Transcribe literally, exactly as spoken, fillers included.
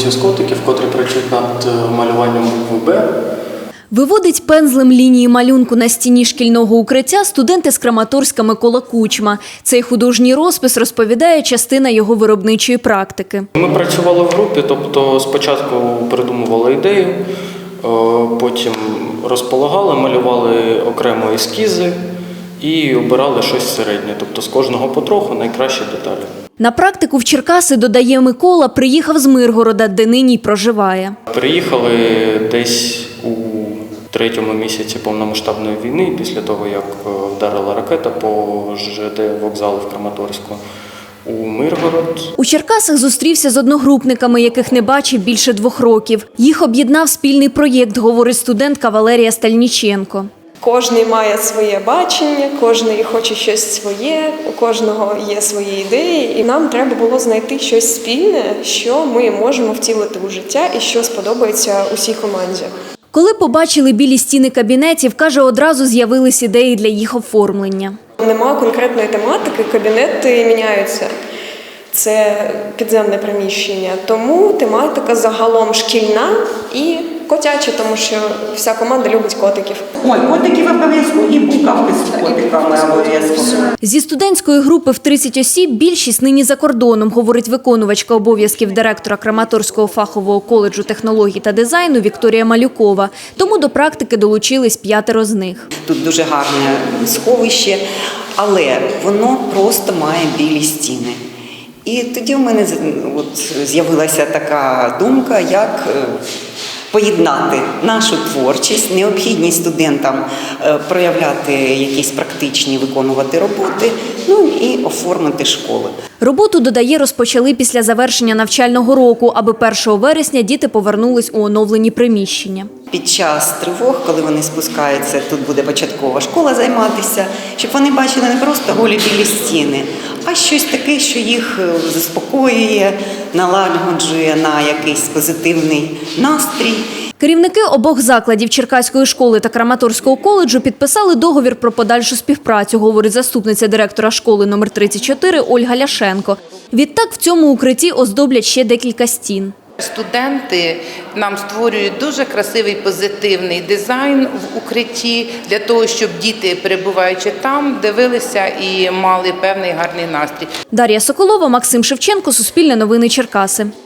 вулицю з котиків, котрі працюють над малюванням букви «Б». Виводить пензлем лінії малюнку на стіні шкільного укриття студент із Краматорська Микола Кучма. Цей художній розпис розповідає частина його виробничої практики. Ми працювали в групі, тобто спочатку придумували ідею, потім розполагали, малювали окремо ескізи і обирали щось середнє, тобто з кожного потроху найкращі деталі. На практику в Черкаси, додає Микола, приїхав з Миргорода, де нині й проживає. Приїхали десь у третьому місяці повномасштабної війни, після того, як вдарила ракета по ЖД вокзалу в Краматорську, у Миргород. У Черкасах зустрівся з одногрупниками, яких не бачив більше двох років. Їх об'єднав спільний проєкт, говорить студентка Валерія Стальніченко. Кожний має своє бачення, кожний хоче щось своє, у кожного є свої ідеї. І нам треба було знайти щось спільне, що ми можемо втілити у життя і що сподобається усій команді. Коли побачили білі стіни кабінетів, каже, одразу з'явились ідеї для їх оформлення. Нема конкретної тематики, кабінети міняються. Це підземне приміщення, тому тематика загалом шкільна і котяча, тому що вся команда любить котиків. Ой, котиків обов'язково і букавки з котиками обов'язково. Зі студентської групи в тридцять осіб більшість нині за кордоном, говорить виконувачка обов'язків директора Краматорського фахового коледжу технологій та дизайну Вікторія Малюкова. Тому до практики долучились п'ятеро з них. Тут дуже гарне сховище, але воно просто має білі стіни. І тоді в мене от з'явилася така думка, як поєднати нашу творчість, необхідність студентам проявляти якісь практичні, виконувати роботи, ну і оформити школи. Роботу, додає, розпочали після завершення навчального року, аби першого вересня діти повернулись у оновлені приміщення. Під час тривог, коли вони спускаються, тут буде початкова школа займатися, щоб вони бачили не просто голі білі стіни, а щось таке, що їх заспокоює, налагоджує на якийсь позитивний настрій. Керівники обох закладів Черкаської школи та Краматорського коледжу підписали договір про подальшу співпрацю, говорить заступниця директора школи номер тридцять чотири Ольга Ляшенко. Відтак в цьому укритті оздоблять ще декілька стін. Студенти нам створюють дуже красивий позитивний дизайн в укритті для того, щоб діти, перебуваючи там, дивилися і мали певний гарний настрій. Дар'я Соколова, Максим Шевченко, Суспільне новини Черкаси.